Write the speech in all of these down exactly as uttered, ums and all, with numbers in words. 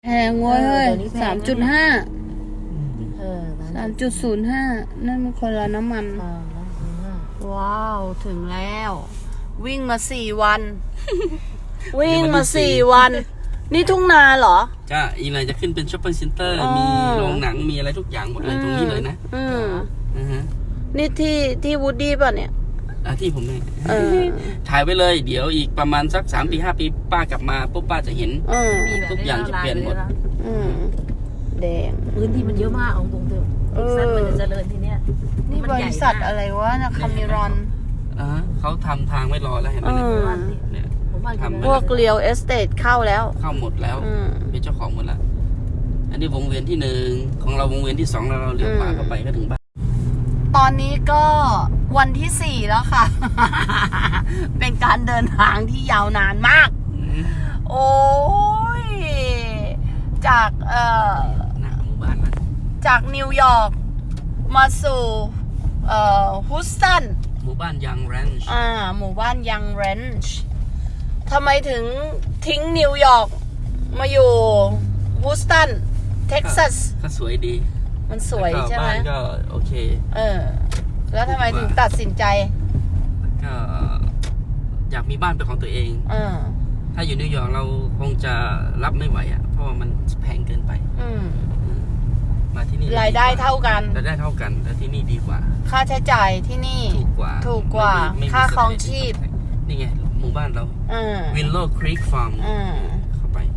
แพงเว้ยเฮ้ยสามจุดห้าเออสามจุดศูนย์ห้านั่นมันคนละน้ำมัน ว้าว ถึงแล้ว วิ่งมาสี่วัน วิ่งมาสี่วัน นี่ทุ่งนาเหรอจ้าอีไรจะขึ้นเป็นช็อปปิ้งเซ็นเตอร์อ๋อมีโรงหนังมีอะไรทุกอย่างหมดเลยตรงนี้เลยนะอืมอือฮะนี่ที่ที่วูดดี้ป่ะเนี่ยอ่ะที่ผมเนี่ยเออถ่ายไว้เลย เดี๋ยวอีกประมาณสักสามปีห้าปีป้ากลับมาปุ๊บป้าจะเห็นเออทุกอย่างจะเปลี่ยนหมดอืมแดงพื้นที่มันเยอะมากเอาตรงๆเถอะเออเท็กซัสมันจะเจริญทีเนี้ยนี่บริษัทอะไรวะนะคาเมรอนอ่าฮะเขาทำทางไว้รอแล้วเห็นไหมเออเนี่ยผมว่าทำพวกเรียลเอสเตทเข้าแล้วเข้าหมดแล้วอืมเป็นเจ้าของหมดแล้ว อันนี้วงเวียนที่หนึ่งของเราวงเวียนที่สองแล้วเราเลี้ยวขวาเข้าไปก็ถึงบ้านตอนนี้ก็วันที่สี่แล้วค่ะ เป็นการเดินทางที่ยาวนานมาก โอ้ย จากเอ่อหน้าหมู่บ้านละจากนิวยอร์กมาสู่เอ่อฮุสตันหมู่บ้านยังแรนช์อ่า หมู่บ้านยังเรนช์ทำไมถึงทิ้งนิวยอร์กมาอยู่ฮุสตัน เท็กซัสก็สวยดีมันสวยแล้วก็ใช่ไหมบ้านก็โอเคเออ แล้วทำไมถึงตัดสินใจก็อยากมีบ้านเป็นของตัวเองเออถ้าอยู่นิวยอร์กเราคงจะรับไม่ไหวอ่ะ เพราะว่ามันแพงเกินไปอืมมาที่นี่รายได้เท่ากันรายได้เท่ากันแต่ที่นี่ดีกว่าค่าใช้จ่ายที่นี่ถูกกว่าถูกกว่าไม่มีไม่มีค่าครองชีพนี่ไง หมู่บ้านเราอืมวินโลว์ครีกฟาร์มอืมเข้าไป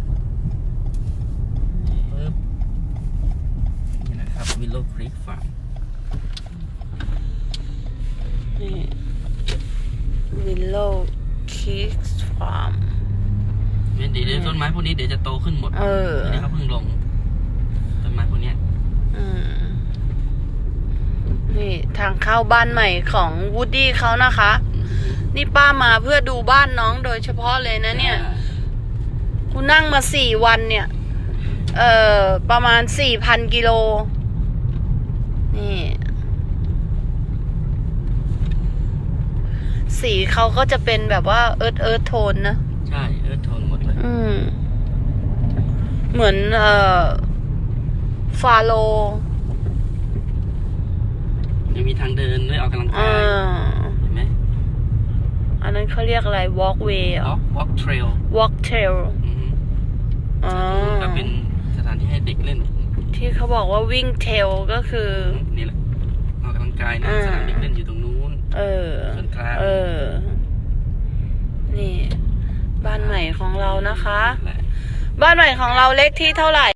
ปึ๊บนี่นะครับวินโลว์ครีกฟาร์มนี่วิลโลคิกส์ฟาร์มเดี๋ยวเดี๋ยวต้นไม้พวกนี้เดี๋ยวจะโตขึ้นหมดเอออันนี้เขาเพิ่งลงต้นไม้พวกเนี้ยอืม นี่ทางเข้าบ้านใหม่ของวูดดี้เขานะคะ นี่ป้ามาเพื่อดูบ้านน้องโดยเฉพาะเลยนะเนี่ย กูนั่งมาสี่วันเนี่ย เอ่อ ประมาณสี่พันกิโล นี่ สีเขาก็จะเป็นแบบว่าเอิร์ธเอิร์ธโทนนะใช่เออโทนหมดเลยอืม เหมือนเอ่อ ฟาโลยังมีทางเดินไว้ออกกำลังอ่กายาเห็นไหมอันนั้นเขาเรียกอะไร walkway เหรอ walk walk trail walk trail อืมอ๋อก็เป็นสถานที่ให้เด็กเล่นที่เขาบอกว่าวิ่ง trail ก็คือนี่แหละออกกำลังกายนะอ่าสนามเด็กเล่นอยู่ตรงนู้นเออส่วนกลางเออ นี่ บ้านใหม่ของเรานะคะแหละบ้านใหม่ของเราเลขที่เท่าไหร่